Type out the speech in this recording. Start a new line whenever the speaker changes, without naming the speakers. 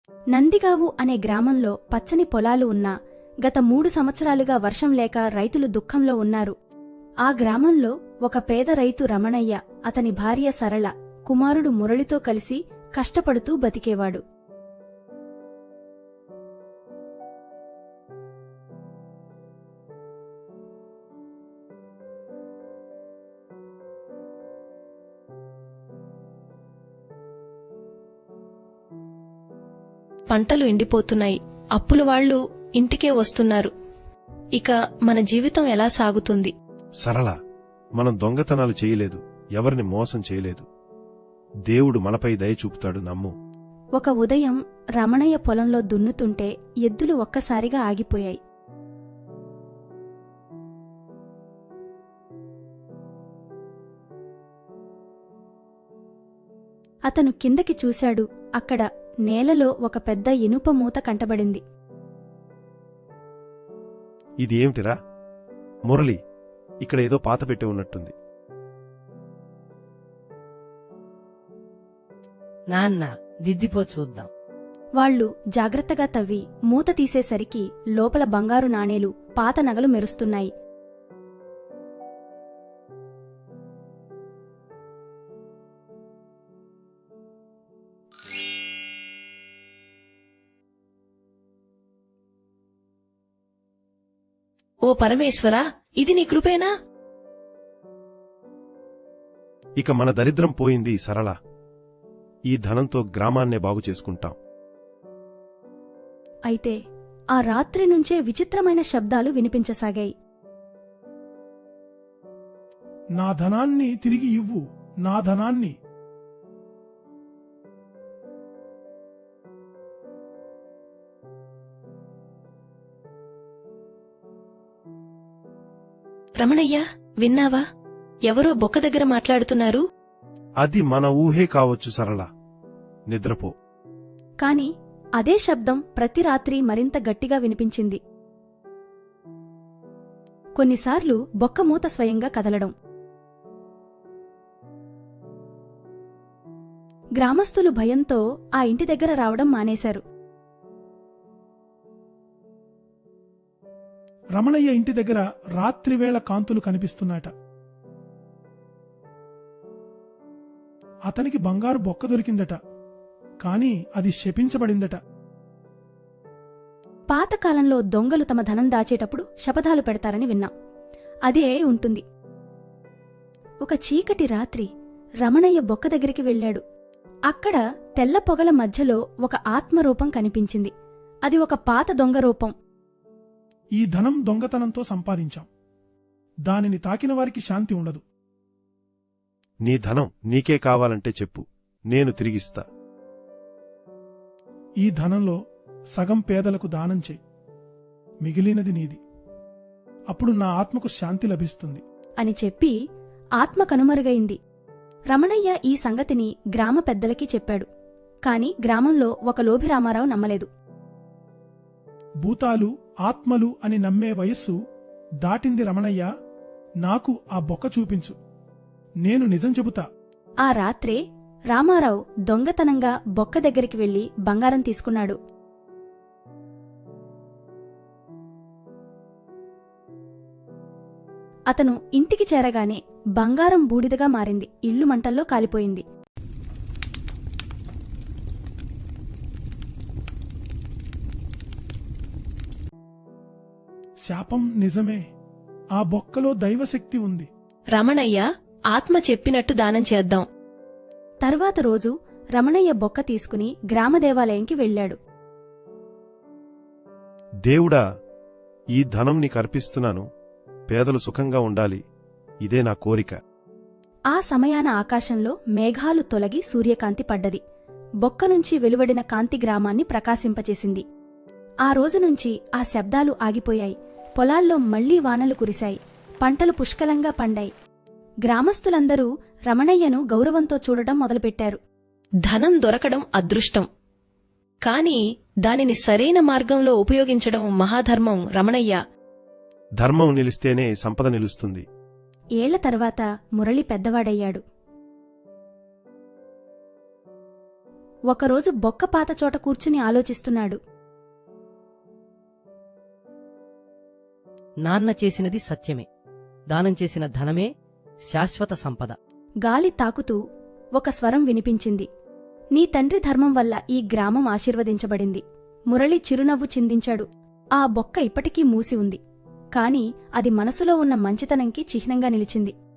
నందిగావు అనే గ్రామంలో పచ్చని పొలాలు ఉన్నా గత 3 సంవత్సరాలుగా వర్షం లేక రైతులు దుఃఖంలో ఉన్నారు. ఆ గ్రామంలో ఒక పేద రైతు రమణయ్య, అతని భార్య సరళ, కుమారుడు మురళితో కలిసి కష్టపడుతూ బతికేవాడు.
పంటలు ఎండిపోతున్నాయి. అప్పుల వాళ్లు ఇంటికే వస్తున్నారు. ఇక మన జీవితం ఎలా సాగుతుంది?
సరళ, మనం దొంగతనాలు చేయలేదు, ఎవరిని మోసం చేయలేదు. దేవుడు మనపై దయ చూపుతాడు, నమ్ము.
ఒక ఉదయం రమణయ్య పొలంలో దున్నుతుంటే ఎద్దులు ఒక్కసారిగా ఆగిపోయాయి. అతను కిందకి చూశాడు. అక్కడ నేలలో ఒక పెద్ద ఇనుప మూత కంటబడింది.
ఇది ఏమిటిరా? మురళి, ఇక్కడ ఏదో పాతపెట్టి ఉన్నట్టుంది.
నాన్న, దిద్దిపో చూద్దాం.
వాళ్లు జాగ్రత్తగా తవ్వి మూత తీసేసరికి లోపల బంగారు నాణేలు, పాత నగలు మెరుస్తున్నాయి.
ఓ పరమేశ్వరా, ఇది నీ కృపేనా?
ఇక మన దరిద్రం పోయింది సరళ. ఈ ధనంతో గ్రామాన్నే బాగు చేసుకుంటాం.
అయితే ఆ రాత్రి నుంచే విచిత్రమైన శబ్దాలు వినిపించసాగాయి.
నా ధనాన్ని తిరిగి ఇవ్వు, నా ధనాన్ని.
రమణయ్య, విన్నావా? ఎవరో బొక్క దగ్గర మాట్లాడుతున్నారు.
అది మన ఊహే కావచ్చు సరళ, నిద్రపో.
కాని అదే శబ్దం ప్రతి రాత్రి మరింత గట్టిగా వినిపించింది. కొన్నిసార్లు బొక్క మూత స్వయంగా కదలడం. గ్రామస్తులు భయంతో ఆ ఇంటి దగ్గర రావడం మానేశారు.
రమణయ్య ఇంటి దగ్గర రాత్రివేళ కాంతులు కనిపిస్తున్నాయట. అతనికి బంగారు బొక్క దొరికిందట, కాని అది శపించబడిందట.
పాతకాలంలో దొంగలు తమ ధనం దాచేటప్పుడు శపథాలు పెడతారని విన్నాం. అదే ఉంటుంది. ఒక చీకటి రాత్రి రమణయ్య బొక్క దగ్గరికి వెళ్లాడు. అక్కడ తెల్ల పొగల మధ్యలో ఒక ఆత్మరూపం కనిపించింది. అది ఒక పాత దొంగ రూపం.
ఈ ధనం దొంగతనంతో సంపాదించాం. దానిని తాకిన వారికి శాంతి ఉండదు.
నీ ధనం నీకే కావాలంటే చెప్పు, నేను తిరిగిస్తా.
ఈ ధనంలో సగం పేదలకు దానం చెయ్యి, మిగిలినది నీది. అప్పుడు నా ఆత్మకు శాంతి లభిస్తుంది
అని చెప్పి ఆత్మ కనుమరుగైంది. రమణయ్య ఈ సంగతిని గ్రామ పెద్దలకి చెప్పాడు. కాని గ్రామంలో ఒక లోభి రామారావు నమ్మలేదు.
భూతాలు, ఆత్మలు అని నమ్మే వయస్సు దాటింది రమణయ్య. నాకు ఆ బొక్క చూపించు, నేను నిజం చెబుతా.
ఆ రాత్రే రామారావు దొంగతనంగా బొక్క దగ్గరికి వెళ్లి బంగారం తీసుకున్నాడు. అతను ఇంటికి చేరగానే బంగారం బూడిదగా మారింది. ఇల్లు మంటల్లో కాలిపోయింది.
శాపం నిజమే. ఆ బొక్కలో దైవశక్తి ఉంది.
రమణయ్య, ఆత్మ చెప్పినట్టు దానం చేద్దాం.
తర్వాత రోజు రమణయ్య బొక్క తీసుకుని గ్రామ దేవాలయంకి వెళ్లాడు.
దేవుడా, ఈ ధనం నీకర్పిస్తున్నాను. పేదలు సుఖంగా ఉండాలి, ఇదే నా కోరిక.
ఆ సమయాన ఆకాశంలో మేఘాలు తొలగి సూర్యకాంతి పడ్డది. బొక్క నుంచి వెలువడిన కాంతి గ్రామాన్ని ప్రకాశింపచేసింది. ఆ రోజునుంచి ఆ శబ్దాలు ఆగిపోయాయి. పొలాల్లో మళ్లీ వానలు కురిశాయి. పంటలు పుష్కలంగా పండాయి. గ్రామస్తులందరూ రమణయ్యను గౌరవంతో చూడడం మొదలుపెట్టారు.
ధనం దొరకడం అదృష్టం, కాని దానిని సరైన మార్గంలో ఉపయోగించడం మహాధర్మం. రమణయ్య,
ధర్మం నిలిస్తేనే సంపద నిలుస్తుంది.
ఏళ్ల తర్వాత మురళి పెద్దవాడయ్యాడు. ఒకరోజు బొక్క పాత చోట కూర్చుని ఆలోచిస్తున్నాడు.
నాన్న చేసినది సత్యమే. దానం చేసిన ధనమే శాశ్వత సంపద.
గాలి తాకుతూ ఒక స్వరం వినిపించింది. నీ తండ్రి ధర్మం వల్ల ఈ గ్రామం ఆశీర్వదించబడింది. మురళి చిరునవ్వు చిందించాడు. ఆ బొక్క ఇప్పటికీ మూసి ఉంది. కాని అది మనసులో ఉన్న మంచితనంకి చిహ్నంగా నిలిచింది.